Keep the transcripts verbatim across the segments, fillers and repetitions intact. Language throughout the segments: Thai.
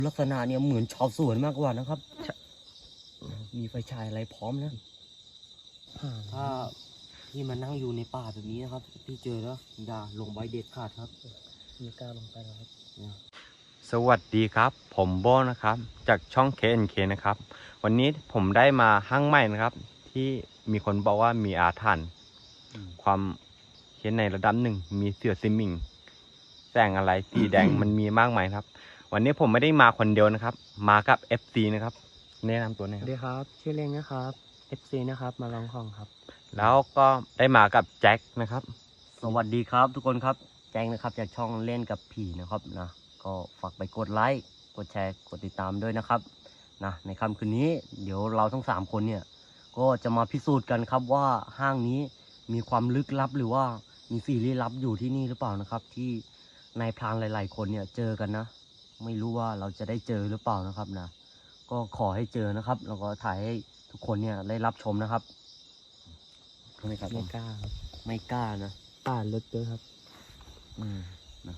ลักษณะเนี่ยเหมือนชาวสวนมากกว่านะครับมีไฟฉายอะไรพร้อมนะถ้าพี่มานั่งอยู่ในป่าแบบนี้นะครับพี่เจอแล้วอย่าลงใบเด็ดขาดครับไม่กล้าลงไปแล้วครับสวัสดีครับผมโบนะครับจากช่อง เค เอ็น เค นะครับวันนี้ผมได้มาห้างใหม่นะครับที่มีคนบอกว่ามีอาถรรพ์ความเขียนในระดับหนึ่งมีเสือซิมมิงแสงอะไรสีแดง มันมีมากมายครับวันนี้ผมไม่ได้มาคนเดียวนะครับมากับ เอฟ ซี นะครับแนะนำตัวหน่อยสวัสดีครับชื่อเล้งนะครับ เอฟ ซี นะครับมาลองของครับแล้วก็ได้มากับแจ็คนะครับสวัสดีครับทุกคนครับแจ้งนะครับจากช่องเล่นกับผีนะครับนะก็ฝากไปกดไลค์กดแชร์กดติดตามด้วยนะครับนะในค่ำคืนนี้เดี๋ยวเราทั้งสามคนเนี่ยก็จะมาพิสูจน์กันครับว่าห้างนี้มีความลึกลับหรือว่ามีสิ่งลี้ลับอยู่ที่นี่หรือเปล่านะครับที่นายพรานหลายๆคนเนี่ยเจอกันนะไม่รู้ว่าเราจะได้เจอหรือเปล่านะครับนะก็ขอให้เจอนะครับแล้วก็ถ่ายให้ทุกคนเนี่ยได้รับชมนะครับไม่กล้าครับไม่กล้านะป่าลึกด้วยครับอืมนะ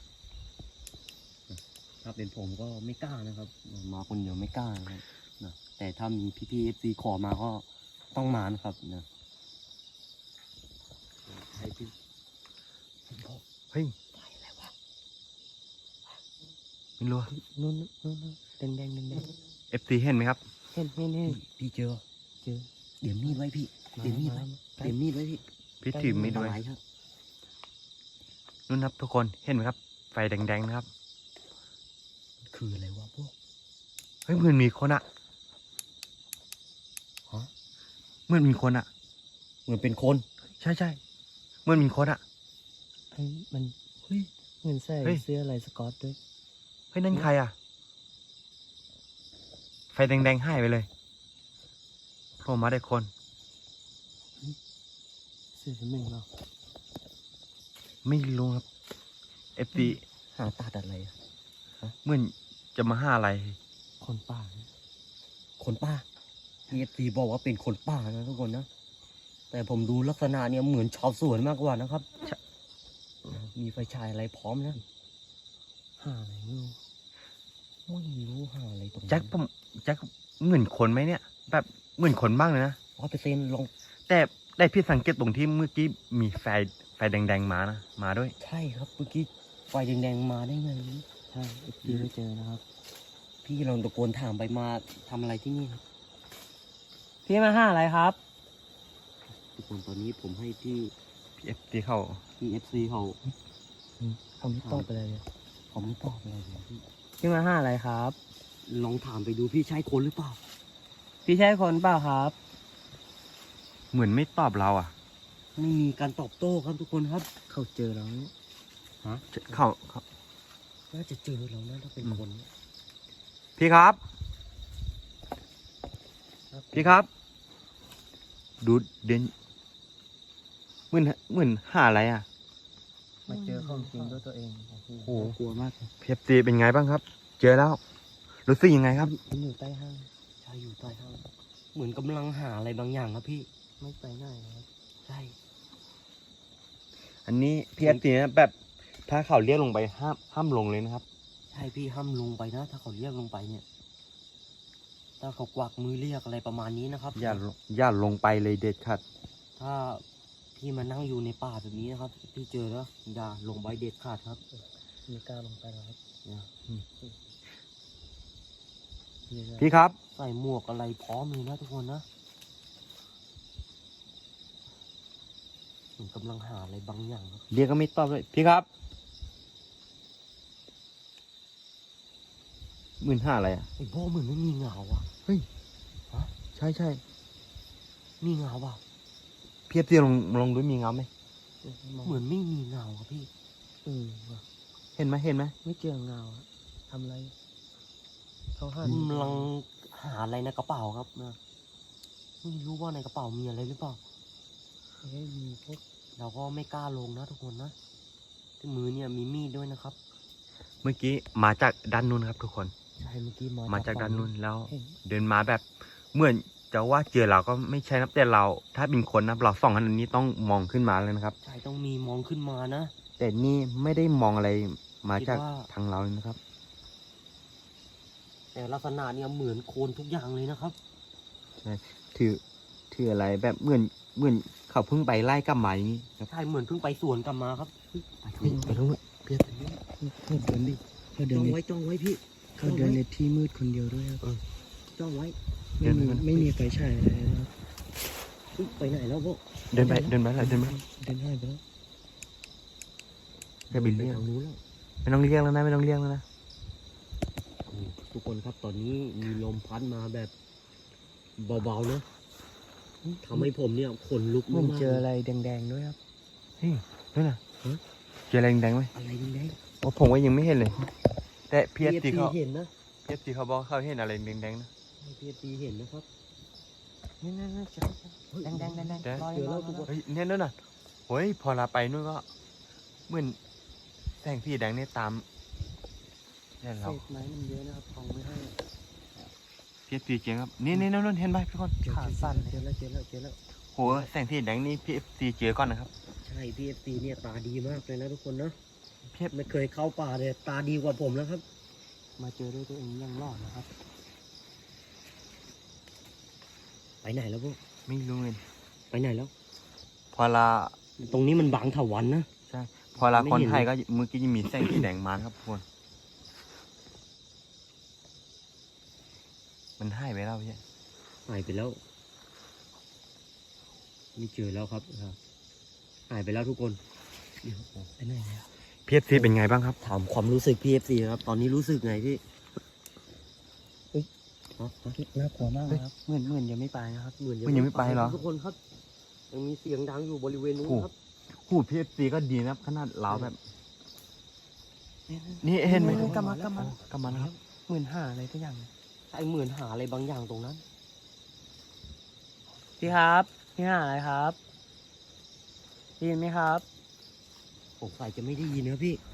ถ้าเป็นผมก็ไม่กล้านะครับมาคนเดียวไม่กล้านะครับนะแต่ถ้ามีพี่พีเอฟซีขอมาก็ต้องมานะครับนะใช่พี่เฮ้ยอะไรวะไม่รู้นู่นนู่นแดงแดงแดงแดงเอฟ ซี เห็นไหมครับเห็นเห็นเห็นพี่เจอเจอเดี๋ยวมีดไว้พี่เดี๋ยวมีดไว้เดี๋ยวมีดไว้พี่พี่ถือมีดไว้ครับนู่นครับทุกคนเห็นไหมครับไฟแดงๆนะครับคืออะไรวะพวกเฮ้ยเหมือนมีคนอะฮะเหมือนมีคนอะเหมือนเป็นคนใช่ใช่เหมือนมีคนอะเฮ้ยมันเฮ้ยเหมือนใส่เสื้ออะไรสกอตด้วยเฮ้ยนั่นใครอะไฟแดงๆหายไปเลยโผล่มาได้คนเสื้อชั้นหนึ่งเนาะไม่รู้ครับเอฟซีหาตัดอะไรอะเหมือนจะมาหาอะไรคนป่าคนป่าเอฟซีบอกว่าเป็นคนป่านะทุกคนนะแต่ผมดูลักษณะเนี่ยเหมือนชาวสวนมากกว่านะครับมีไฟฉายอะไรพร้อมนะหาอะไรไม่รู้ไม่รู้หาอะไรตรงนี้แจ็คผมแจ็คเหมือนคนไหมเนี่ยแบบเหมือนคนบ้างเลยนะร้อยเปอร์เซ็นต์ลงแต่ได้พี่สังเกตตรงที่เมื่อกี้มีไฟไฟแดงๆมานะมาด้วยใช่ครับเมื่อกี้ไฟแดงๆมาได้ไงใช่พี่ไม่เจอนะครับพี่ลองตะโกนถามไปมาทำอะไรที่นี่ครับพี่มาห้าอะไรครับทุกคนตอนนี้ผมให้พี่พี่เอฟซีเขาพี่เอฟซีเขาเขาไม่ตอบอะไรเลยเขาไม่ตอบอะไรเลยพี่พี่มาห้าอะไรครับลองถามไปดูพี่ใช่คนหรือเปล่าพี่ใช่คนเปล่าครับเหมือนไม่ตอบเราอ่ะไม่มีการตอบโต้ครับทุกคนครับเขาเจอแล้วฮะเขาเขาน่าจะเจอเรานะถ้าเป็นคนพี่ครับพี่ครับดูเด่นเหมือนเหมือนหาอะไรอ่ะมาเจอของจริงด้วยตัวเองโอ้โหกลัวมากพีเอฟซีเป็นไงบ้างครับเจอแล้วรู้สึกยังไงครับมันอยู่ใต้ห้างใช่อยู่ใต้ห้างเหมือนกำลังหาอะไรบางอย่างครับพี่ไม่ไปไหนครับใช่อันนี้พีเอฟซีนะแบบถ้าเขาเรียกลงไปห้ามห้ามลงเลยนะครับใช่พี่ห้ามลงไปนะถ้าเขาเรียกลงไปเนี่ยถ้าเขากวักมือเรียกอะไรประมาณนี้นะครับอย่าอย่าลงไปเลยเด็ดขาดถ้าพี่มานั่งอยู่ในป่าแบบนี้นะครับพี่เจอแล้วอย่าลงใบเด็ดขาดครับไม่กล้าลงไปแล้วครับพี่ครับใส่หมวกอะไรพร้อมเลยนะทุกคนนะผมกำลังหาอะไรบางอย่างครับเรียกก็ไม่ตอบเลยพี่ครับหมื่นห้าอะไรอ่ะไอ้โบ้เหมือนไม่มีเงาอ่ะเฮ้ยฮะใช่ใช่มีเงาเปล่าพี่เตี้ยลงลงด้วยมีเงาไหมเหมือนไม่มีเงาครับพี่เออเห็นไหมเห็นไหมไม่เจอเงาทำอะไรเขาหากำลังหาอะไรในกระเป๋าครับนะไม่รู้ว่าในกระเป๋ามีอะไรหรือเปล่าไม่มีพวกเราก็ไม่กล้าลงนะทุกคนนะที่มือเนี่ยมีมีดด้วยนะครับเมื่อกี้มาจากด้านนู้นครับทุกคนใช่เมื่อกี้มามาจากด้านนู้นแล้วเดินมาแบบเหมือนจะว่าเจอเราก็ไม่ใช่นะแต่เราถ้าเป็นคนนะเราสองคนนี้ต้องมองขึ้นมาเลยนะครับใช่ต้องมีมองขึ้นมานะแต่นี่ไม่ได้มองอะไรมาจากทางเราเลยนะครับแต่ลักษณะเนี่ยเหมือนโคลนทุกอย่างเลยนะครับใช่ถือถืออะไรแบบเหมือนเหมือนเขาเพิ่งไปไล่กลับมาอย่างนี้ครับใช่เหมือนเพิ่งไปสวนกลับมาครับเฮ้ยไปทางเฮ้ยนู้นไปตรงนู้นเพียรเขาเดินดิเขาเดิจ้นองในไว้จ้องไว้พี่เขาเดินในที่มืดคนเดียวด้วยครับจ้องไว้ไม่มีไม่มีไฟฉายอะไรนะครับเฮ้ยไปไหนแล้วพวกเดินไปเดินไปแล้วเดินไปเดินให้ไปแล้วแค่บินไปเรียกทางนู้นแล้วไม่ต้องเรียกแล้วนะไม่ต้องเรียกแล้วนะทุกคนครับตอนนี้มีลมพัดมาแบบเบาๆนะทำให้ผมเนี่ยขนลุกมันมากๆเจออะไรแดงๆด้วยครับเฮ้ยนั่นน่ะเจออะไรแดงๆไหมอะไรแดงโอ้ผมก็ยังไม่เห็นเลย แต่ๆเพียรตีเขาเห็นนะเพียรตีเขาบอกเขาเห็นอะไรแดงๆนะพีเอฟซีเห็นนะครับนี่นั่นนั่นเจอเฮ้ยแดงๆแดงๆเจอแล้วทุกคนเฮ้ยเนี่ยนั่นน่ะเฮ้ยพอเราไปนู่นก็เหมือนแสงสีแดงเนี่ยตามเนี่ยเศเราษไม้มันเยอะนะครับทองไม่ให้เพียรตีเจียงครับนี่นี่นั่นนั่นเห็นไหมพี่คนเจอขาสั้นเจอแล้วเจอแล้วเจอแล้วโหแสงสีแดงนี่พี่ตีเจอก่อนนะครับใช่พีเอฟซีเนี่ยตาดีมากเลยนะทุกคนนะเพียรไม่เคยเข้าป่าเลยตาดีกว่าผมแล้วครับ มาเจอด้วยตัวเองยังรอดนะครับ ไปไหนแล้วพวกไม่รู้เลยไปไหนแล้วพอเราตรงนี้มันบางเถาวันนะใช่พอเราไม่คนเห็นไทยก็เมื่อกี้จะมีแสงสีแดงมานะครับทุกคนมันหายไปแล้วพี่หายไปแล้วไม่เจอแล้วครับครับหายไปแล้วทุกคนเดี๋ยวไปไหนแล้วเพียรตีเป็นไงบ้างครับถามความรู้สึกพีเอฟซีครับ ตอนนี้รู้สึกไงพี่เฮ้ยฮะฮะน่ากลัวมากครับเหมือนเหมือนยังไม่ไปนะครับเหมือนมันยังไม่ไปเหรอทุกคนครับยังมีเสียงดังอยู่บริเวณนู้นโอ้ครับหูเพียรตีก็ดีนะครับขนาดเราแบบ นี่เห็นไหมกำมากำมากำมันครับเหมือนหาอะไรทุกอย่างใช่เหมือนหาอะไรบางอย่างตรงนั้นพี่ครับพี่หาอะไรครับได้ยินไหมครับผมใส่จะไม่ได้ยินนะพี่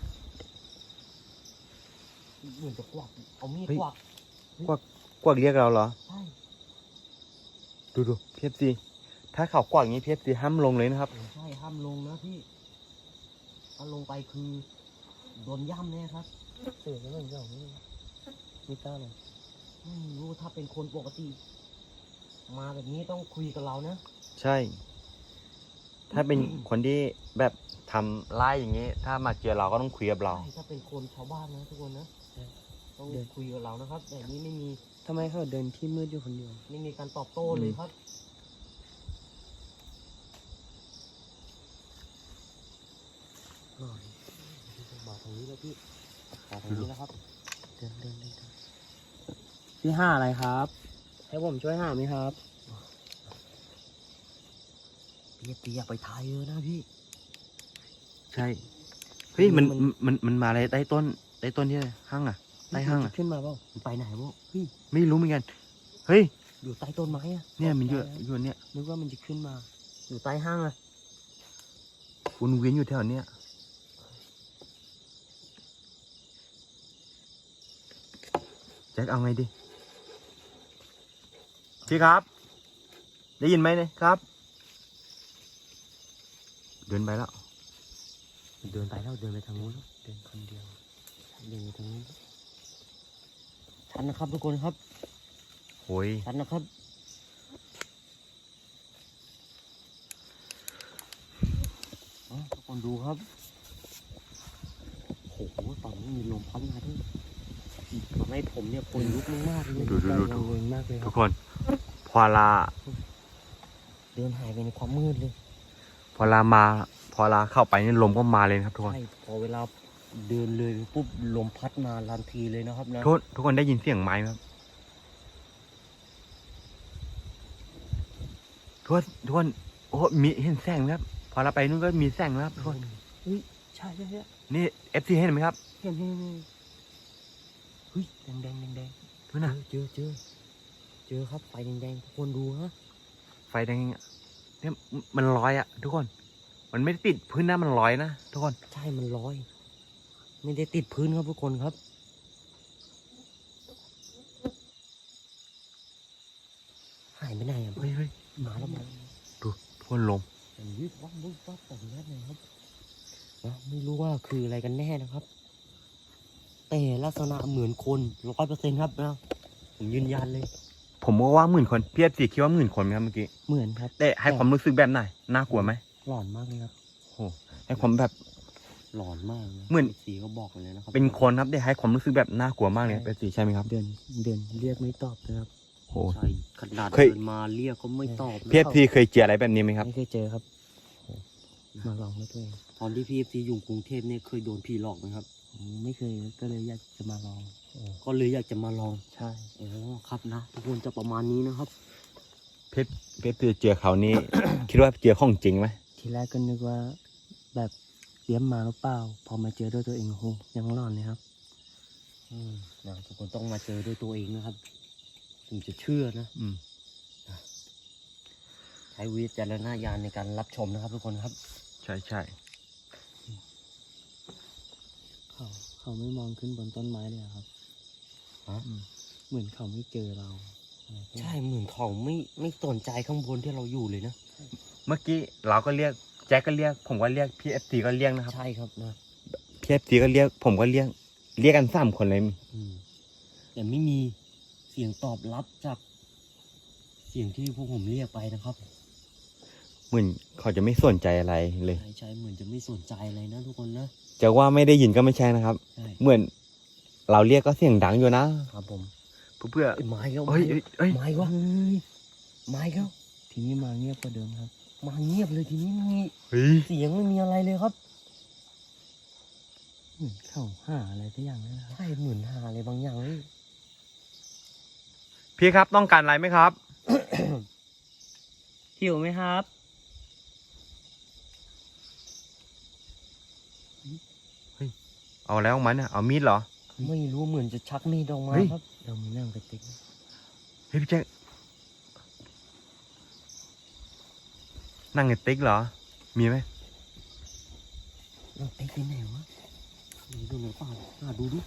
เหมือนจะกวักเอามีดเฮ้ยกวักกวักเรียกเราเหรอใช่ดูดูเพียรตีถ้าเขากวักอย่างนี้เพียรตีห้ามลงเลยนะครับใช่ห้ามลงนะพี่ถ้าลงไปคือโดนย่ำแน่ครับเสือแล้วมันอย่างนี้มีกล้าเลยไม่รู้ถ้าเป็นคนปกติ มาแบบนี้ต้องคุยกับเรานะใช่ ถ้าเป็นคนที่แบบทำไล่อย่างนี้ ถ้ามาเจอเราก็ต้องคุยกับเราใช่ถ้าเป็นคนชาวบ้านนะทุกคนนะต้องคุยกับเรานะครับ แต่นี้ไม่มีทำไมเขาเดินที่มืดอยู่คนเดียวไม่มีการตอบโต้เลยครับหน่อยมาทางนี้แล้วพี่มาทางนี้แล้วครับเดินเดินเดินเดินพี่หาอะไรครับ ให้ผมช่วยหาไหมครับพี่ตีอยากไปทายเยอะนะพี่ใช่ เฮ้ยมันมันมันมันมาอะไรใต้ต้นใต้ต้นที่ห้างอ่ะ ใต้ห้างอ่ะขึ้นมาเปล่ามันไปไหนวะเฮ้ยไม่รู้เหมือนกัน เฮ้ยอยู่ใต้ต้นไม้อะเนี่ยมันอยู่อยู่เนี่ยนึกว่ามันจะขึ้นมาอยู่ใต้ห้างอะวนเวียนอยู่แถวเนี้ยแจ็คเอาไงดี พี่ครับ ได้ยินไหมเนี่ยครับ เดินไปแล้วเดินไปแล้วเดินไปทางนู้นแล้วเดินคนเดียวเดินไปทางนู้นชันนะครับทุกคนครับโอ้ยชันนะครับอ๋อทุกคนดูครับโอ้โหตอนนี้มีลมพัดมาด้วยทำให้ผมเนี่ยขนลุกมากๆเลยดูดูดูดูเวิงมากเลยคทุรักบคน พอลาเดินหายไปในความมืดเลยพอลามา พอลาเข้าไปนี่ลมก็มาเลยนะครับทุกคนใช่พอเวลาเดินเลยไปปุ๊บลมพัดมาทันทีเลยนะครับนะทุกคนทุกคนได้ยินเสียงไม้ไหมครับทุกคนทุกคนโอ้มีเห็นแสงไหมครับ พอเราไปนู่นก็มีแสงแล้วครับทุกคนใช่ใช่ใช่นี่เอฟซีเห็นไหมครับเห็นเห็นเห็นเฮ้ยแดงแดงแดงแดงดูนะเจอเจอเจอครับไฟแดงๆทุกคนดูฮะไฟแดงอะเนี่ยมันลอยอะทุกคน มันไม่ได้ติดพื้นนะมันลอยนะทุกคนใช่มันลอย ไม่ได้ติดพื้นครับทุกคนครับหายไปไหนอ่ะเฮ้ยเฮ้ยมาแล้วมาดูทุกคนลมมันวิบวับวิบวับแบบนี้เลยครับนะไม่รู้ว่าคืออะไรกันแน่นะครับแต่ลักษณะเหมือนคนร้อยเปอร์เซ็นต์ครับนะผมยืนยันเลยผมก็ว่าหมื่นคนพี่เอฟซีคิดว่าหมื่นคนไหมครับเมื่อกี้เหมือนครับแต่ให้ความรู้สึกแบบไหนน่ากลัวไหมหลอนมากเลยครับโอ้ให้ความแบบหลอนมากนะเหมือนสีก็บอกเลยนะครับเป็นคนครับได้ให้ความรู้สึกแบบน่ากลัวมากเลยครับเอฟซีใช่ไหมครับเดินเดินเรียกไม่ตอบนะครับโอ้ใช่ขนาดเคยเดินมาเรียกก็ไม่ตอบนะพี่เอฟซีเคยเจออะไรแบบนี้ไหมครับไม่เคยเจอครับมาลองด้วยตัวเองตอนที่พี่เอฟซีอยู่กรุงเทพเนี่ยเคยโดนผีหลอกไหมครับอืมไม่เคยก็เลยอยากจะมาลองก็เลยอยากจะมาลองใช่โอ้ครับนะทุกคนจะประมาณนี้นะครับเพชรเพชรเจอเขานี่ คิดว่าเจอของจริงไหมทีแรกก็นึกว่าแบบเลี้ยมมาหรือเปล่า พอมาเจอด้วยตัวเองโอ้โหยังหลอนเลยครับอืมนะทุกคนต้องมาเจอด้วยตัวเองนะครับถึงจะเชื่อนะอืมใช้วิจารณญาณในการรับชมนะครับ ทุกคนครับใช่ใช่เขาเขาไม่มองขึ้นบนต้นไม้เลยอะครับฮะอืมเหมือนเขาไม่เจอเราใช่เหมือนเขาไม่ไม่สนใจข้างบนที่เราอยู่เลยนะเมื่อกี้เราก็เรียกแจ็คก็เรียก ผมก็เรียกพี่เอฟซีก็เรียกนะครับใช่ครับนะพี่เอฟซีก็เรียก ผมก็เรียก เรียกกันสามคนเลยอืมแต่ไม่มีเสียงตอบรับจาก เสียงที่พวกผมเรียกไปนะครับเหมือนเขาจะไม่สนใจอะไรเลยใช่ใช่เหมือนจะไม่สนใจอะไรนะทุกคนนะจะว่าไม่ได้ยินก็ไม่ใช่นะครับใช่เหมือนเราเรียกก็เสียงดังอยู่นะครับผมเพื่อเอ้ยไม้แล้วเอ้ยเอ้ยเอ้ยไม้วะไม้แล้วทีนี้มาเงียบกว่าเดิมครับมาเงียบเลยทีนี้ไม่มีเฮ้ยเสียงไม่มีอะไรเลยครับเหมือนเขาหาอะไรสักอย่างนั่นนะครับใช่เหมือนหาอะไรบางอย่างเลยพี่ครับต้องการอะไรไหมครับหิวไหมครับเอาแล้วมันอ่ะเอามีดเหรอไม่รู้เหมือนจะชักมีดออกมาเฮ้ยครับเรามีนั่งกระติกเฮ้ยพี่แจ็คนั่งในติ๊กเหรอ มีไหมเราไปที่ไหนวะดูดูหน่อยเปล่าอ่าดูดู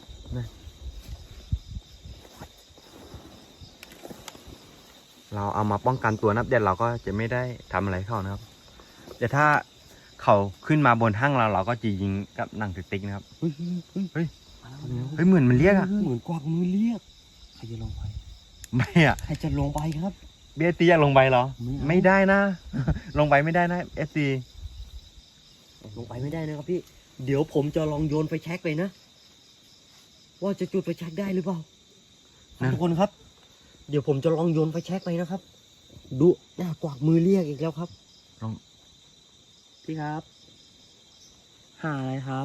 เราเอามาป้องกันตัวนะครับเดี๋ยวเราก็จะไม่ได้ทำอะไรเขานะครับเดี๋ยวถ้าเขาขึ้นมาบนห้างเราเราก็จะยิงกับหนังสติ๊กนะครับเฮ้ยเฮ้ยเฮ้ยมาแล้วเฮ้ยเหมือนมันเรียกอะเหมือนกวักมือเรียกใครจะลงไปไม่อะใครจะลงไปครับเบียตีอยากลงไปเหรอไม่เอาไม่ได้นะ ลงไปไม่ได้นะเอสซีลงไปไม่ได้นะครับพี่ เดี๋ยวผมจะลองโยนไฟแช็กไปนะ ว่าจะจุดไฟแช็กได้หรือเปล่าทุกคนครับ เดี๋ยวผมจะลองโยนไฟแช็กไปนะครับ ดูหน้ากวักมือเรียกอีกแล้วครับพี่ครับ หาอะไรครับ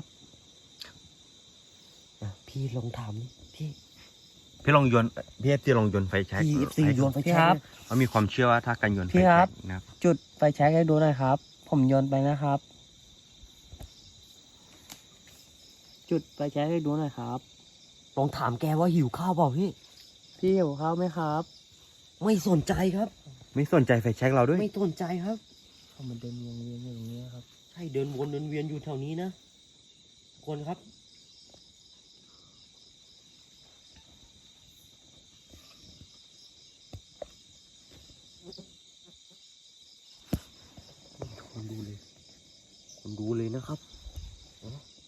อ่ะพี่ลองถามดิพี่พี่ลองโยนพี่เอฟซีลองโยนไฟแช็กพี่เอฟซีโยนไฟพี่แช็กครับนะเขามีความเชื่อว่าถ้าการโยนไฟพี่คแช็รับกนะครับจุดไฟแช็กให้ดูหน่อยครับ ผมโยนไปนะครับ จุดไฟแช็กให้ดูหน่อยครับลองถามแกว่าหิวข้าวเปล่าพี่พี่หิวข้าวไหมครับไม่สนใจครับไม่สนใจไฟแช็กเราด้วยไม่สนใจครับเขามาเดินวนเวียนอยู่ตรงนี้ครับใช่เดินวนเดินเวียนอยู่แถวนี้นะคนครับ คนดูเลย คนดูเลยนะครับอ๋อ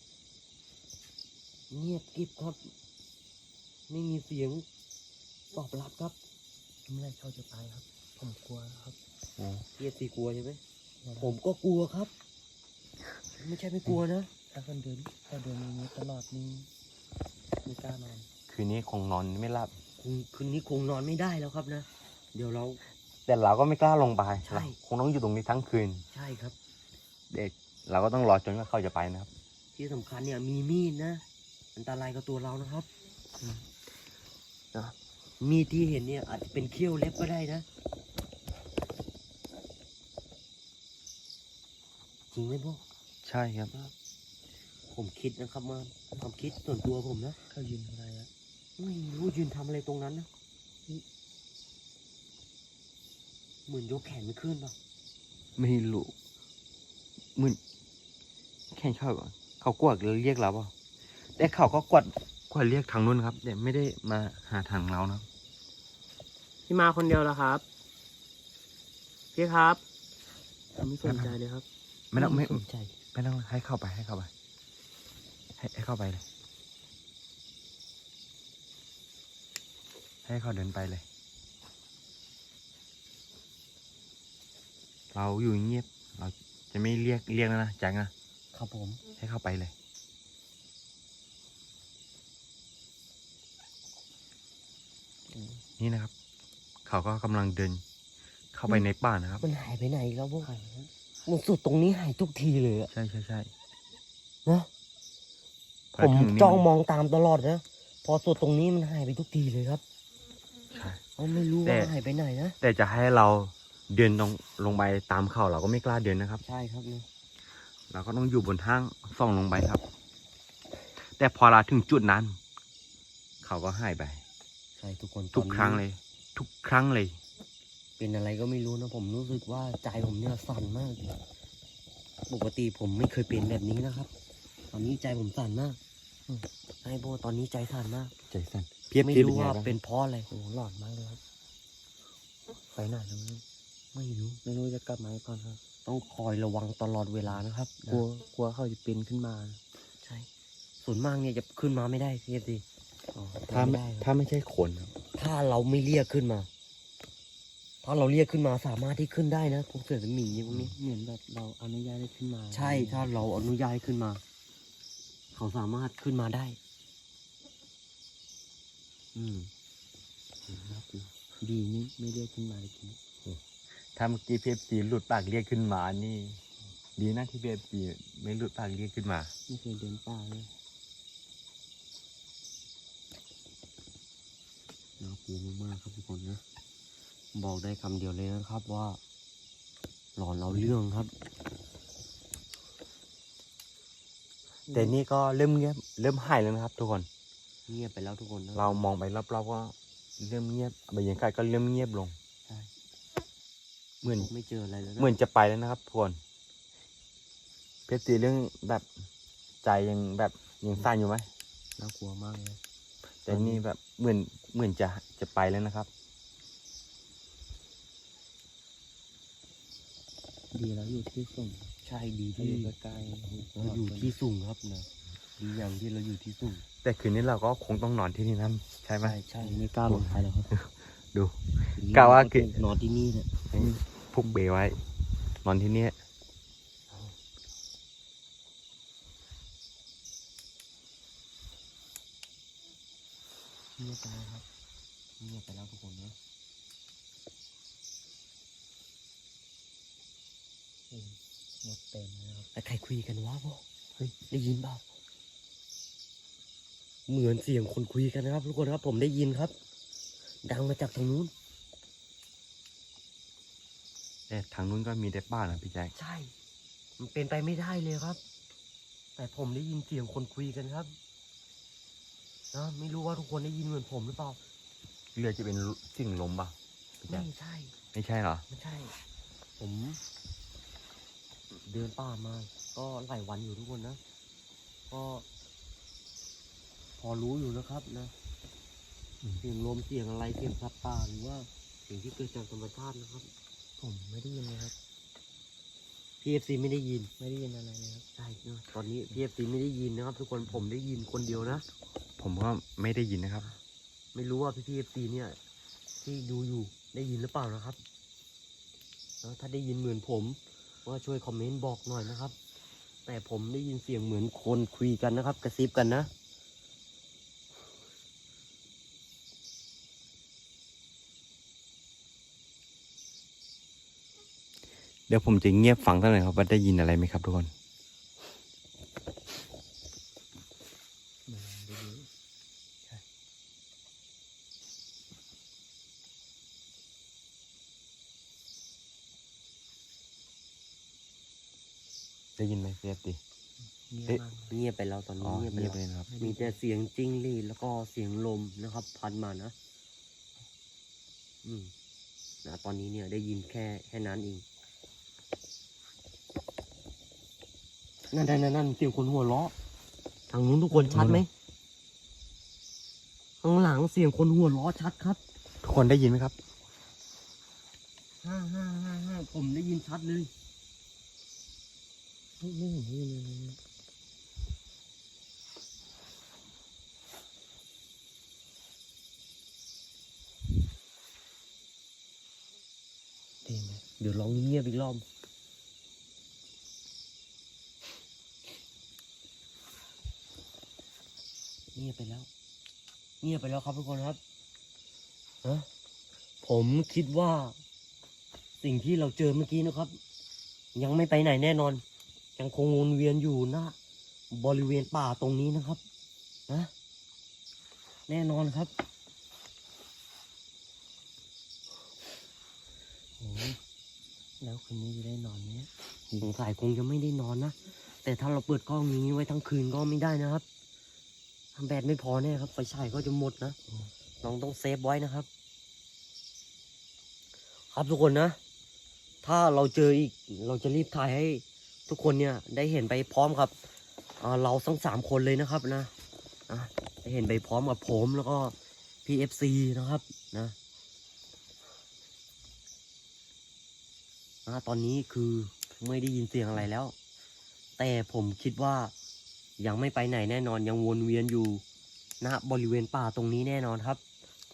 เงียบกริบครับ ไม่มีเสียงตอบรับครับเมื่อไรเขาจะไปครับ ผมกลัวครับเรียกตีกลัวใช่ไหม ผมก็กลัวครับ ไม่ใช่ไม่กลัวนะถ้าคนเดินถ้าเดินอย่างนี้ตลอดนี่ไม่กล้านอนคืนนี้คงนอนไม่หลับคงคืนนี้คงนอนไม่ได้แล้วครับนะ เดี๋ยวเราแต่เราก็ไม่กล้าลงไปใช่เราคงต้องอยู่ตรงนี้ทั้งคืนใช่ครับเด็กเราก็ต้องรอจนกว่าเขาจะไปนะครับที่สำคัญเนี่ยมีมีดนะ อันตรายกับตัวเรานะครับนะมีดที่เห็นเนี่ยอาจจะเป็นเขี้ยวเล็บก็ได้นะ จริงไหมพวกใช่ครับผมคิดนะครับมาความคิดส่วนตัวผมนะเขายืนอะไรอะไม่รู้ยืนทำอะไรตรงนั้นนะนี่เหมือนยกแขนไม่ขึ้นป่ะไม่รู้เหมือนแค่เขาก่อนเขากวดเรียกเราเปล่าแต่เขาก็กวดกวดเรียกทางนู้นครับแต่ไม่ได้มาหาทางเรานะครับพี่มาคนเดียวเหรอครับ พี่ครับผมไม่สนใจเลยครับไม่ต้องไม่สนใจไม่ต้องให้เข้าไปให้เข้าไปให้ให้เข้าไปเลยให้เขาเดินไปเลย เราอยู่เงียบเราจะไม่เรียกเรียกแล้วนะแจ็คนะครับผมให้เข้าไปเลย นี่นะครับ เขาก็กำลังเดิน เข้าไปในป่านะครับมันหายไปไหนอีกแล้วพวกมันสุดตรงนี้หายทุกทีเลยอะใช่ใช่ใช่นะพผมถึนี่จ้องมองตามตลอดนะพอสุดตรงนี้มันหายไปทุกทีเลยครับใช่เขาไม่รู้แต่ว่าหายไปไหนนะแต่จะให้เราเดินลงลงไปตามเขาเราก็ไม่กล้าเดินนะครับใช่ครับเนี่ยเราก็ต้องอยู่บนทางส่องลงไปครับ แต่พอเราถึงจุดนั้น เขาก็หายไปใช่ทุกคนทุกตอนนี้ครั้งเลย ทุกครั้งเลยเป็นอะไรก็ไม่รู้นะผมรู้สึกว่าใจผมเนี่ยสั่นมากปกติผมไม่เคยเป็นแบบนี้นะครับ ตอนนี้ใจผมสั่นมากอืมไอ้โบตอนนี้ใจสั่นมากใจสั่นเพียบไม่เพียบรู้ว่าไงบ้งเป็นเพราะอะไรโอ้โหหลอนมากเลยครับไปไหนแล้วมั้งไม่รู้ไม่รู้จะกลับมาก่อนครับ ต้องคอยระวังตลอดเวลานะครับกลัวกลัวเขาจะเป็นขึ้นมาใช่ ส่วนมากเนี่ยจะขึ้นมาไม่ได้พี่เอฟซีถ้าไม่ได้ครับถ้าไม่ใช่คนครับถ้าเราไม่เรียกขึ้นมา ถ้าเราเรียกขึ้นมาสามารถที่ขึ้นได้นะพวกเสือสมิงอย่างนี้เหมือนแบบเราอนุญาตให้ขึ้นมาใช่ถ้าเราอนุญาตให้ขึ้นมา เขาสามารถขึ้นมาได้ อืมดีนี่ไม่เรียกขึ้นมาเลยทีนี้ถ้าเมื่อกี้พีเอฟซีหลุดปากเรียกขึ้นมานี่ ดีนะที่พีเอฟซีไม่หลุดปากเรียกขึ้นมาไม่เคยเดินป่าเลยน่ากลัวมากๆครับทุกคนนะ บอกได้คำเดียวเลยนะครับว่าหลอนเราเรื่องครับแต่นี่ก็เริ่มเงียบเริ่มหายแล้วนะครับ ทุกคนเงียบไปแล้วทุกคนนะเรามองไปรอบๆก็เริ่มเงียบบรรยากาศก็เริ่มเงียบลงใช่เหมือนไม่เจออะไรแล้วนะเหมือนจะไปแล้วนะครับทุกคนเพชรตีเรื่องแบบใจยังแบบยังสั่นอยู่ไหมน่ากลัวมากเลยแต่นี่แบบเหมือนเหมือนจะจะไปแล้วนะครับดีแล้วอยู่ที่สูงใช่ดีที่ที่อยู่ใกล้ๆเราอยู่ที่สูงครับนะดีอย่างที่เราอยู่ที่สูงแต่คืนนี้เราก็คงต้องนอนที่นี่นะใช่ไหมใช่ใช่ไม่กล้าลงไปแล้วครับดูทีนี้กะว่าคือนอนที่นี่แหละให้พุกเบไว้ นอนที่นี่เงียบไปแล้วครับเงียบไปแล้วทุกคนนะหมดเต็มแล้วครับแต่ใครคุยกันวะพ่อเฮ้ยได้ยินเปล่าเหมือนเสียงคนคุยกันนะครับทุกคนครับ ผมได้ยินครับ ดังมาจากทางนู้นแต่ทางนู้นก็มีแต่บ้านนะพี่แจ๊คใช่ มันเป็นไปไม่ได้เลยครับ แต่ผมได้ยินเสียงคนคุยกันครับนะไม่รู้ว่าทุกคนได้ยินเหมือนผมหรือเปล่าเรือจะเป็นสิ่งลมป่ะพี่แจ๊คไม่ใช่ไม่ใช่เหรอไม่ใช่ ผม เดินป่ามา ก็หลายวันอยู่ทุกคนนะ ก็ พอรู้อยู่นะครับนะ เสียงลมเสียงอะไรเสียงสัตว์ป่าหรือว่าเสียงที่เกิดจากธรรมชาตินะครับผมไม่ได้ยินเลยครับพีเอฟซีไม่ได้ยินไม่ได้ยินอะไรเลยครับใช่เนอะตอนนี้พีเอฟซีไม่ได้ยินนะครับ ทุกคนผมได้ยินคนเดียวนะผมก็ไม่ได้ยินนะครับไม่รู้ว่าพี่พีเอฟซีเนี่ย ที่ดูอยู่ได้ยินหรือเปล่านะครับแล้วถ้าได้ยินเหมือนผมก็ช่วยคอมเมนต์บอกหน่อยนะครับ แต่ผมได้ยินเสียงเหมือนคนคุยกันนะครับ กระซิบกันนะเดี๋ยวผมจะเงียบฟังเท่าไหร่ครับว่าได้ยินอะไรไหมครับทุกคนไม่ได้ยินได้ยินไหมพี่แจ๊คดิเงียบเอ๊ะมากเงียบไปแล้วตอนอ๋นี้อเงียบไปเงียบแล้วเลยนะครับมีแต่เสียงจิ้งหรีดแล้วก็เสียงลมนะครับ พัดมานะ อืมนะตอนนี้เนี่ยได้ยินแค่แค่นั้นเองนั่นนั่นนั่นนั่นเสียงคนหัวเราะทางนู้นทุกคนชัดไหมข้างหลังเสียงคนหัวเราะชัดครับทุกคนได้ยินไหมครับห้าห้าห้าห้าผมได้ยินชัดเลยไม่ไม่เห็นได้ยินเลยนะเดี๋ยวลองเงียบอีกรอบเงียบไปแล้ว เงียบไปแล้วครับทุกคนครับฮะผมคิดว่า สิ่งที่เราเจอเมื่อกี้นะครับ ยังไม่ไปไหนแน่นอน ยังคงวนเวียนอยู่นะบริเวณป่าตรงนี้นะครับนะแน่นอนครับโอ้ยแล้วคืนนี้จะได้นอนไหมสงสัยคงจะไม่ได้นอนนะแต่ถ้าเราเปิดกล้องอย่างนี้ไว้ทั้งคืนก็ไม่ได้นะครับทำแบตไม่พอแน่ครับไฟฉายก็จะหมดนะน้องต้องเซฟไว้นะครับ ครับทุกคนนะ ถ้าเราเจออีกเราจะรีบถ่ายให้ทุกคนเนี่ยได้เห็นไปพร้อมกับอ่าเราทั้งสามคนเลยนะครับนะนะได้เห็นไปพร้อมกับผมแล้วก็พี่เอฟซีนะครับนะนะตอนนี้คือไม่ได้ยินเสียงอะไรแล้ว แต่ผมคิดว่ายังไม่ไปไหนแน่นอนยังวนเวียนอยู่ณบริเวณป่าตรงนี้แน่นอนครับ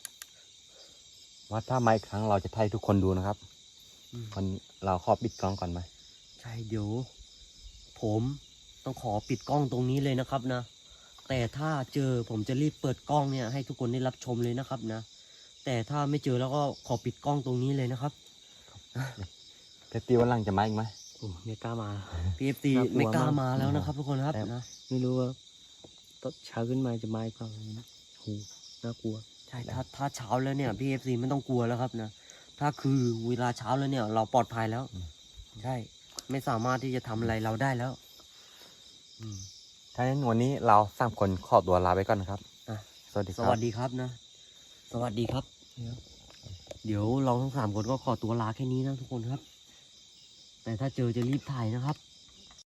ว่าถ้ามาอีกครั้งเราจะให้ทุกคนดูนะครับอืมวันเราขอปิดกล้องก่อนไหมใช่เดี๋ยวผมต้องขอปิดกล้องตรงนี้เลยนะครับนะแต่ถ้าเจอผมจะรีบเปิดกล้องเนี่ยให้ทุกคนได้รับชมเลยนะครับนะแต่ถ้าไม่เจอแล้วก็ขอปิดกล้องตรงนี้เลยนะครับเพชรตีวันหลังจะมาอีกไหมโอ้ไม่กล้ามาพี เอฟ ซีน่ากลัวไม่กล้ามากมาแล้วนะครับทุกคนครับแต่นะไม่รู้ว่าตอนเช้าขึ้นมาจะมาอีกเปล่านะโหน่ากลัวใช่ถ้าถ้าเช้าแล้วเนี่ยพี เอฟ ซีไม่ต้องกลัวแล้วครับนะถ้าคือเวลาเช้าแล้วเนี่ย เราปลอดภัยแล้วใช่ไม่สามารถที่จะทำอะไรเราได้แล้ว อืมถ้าอย่างนั้นวันนี้เราสามคนขอตัวลาไปก่อนนะครับอ่ะสวัสดีคสรับวัสดีครับนะ สวัสดีครับ เดี๋ยวเราทั้งสามคนก็ขอตัวลาแค่นี้นะทุกคนครับ แต่ถ้าเจอจะรีบถ่ายนะครับ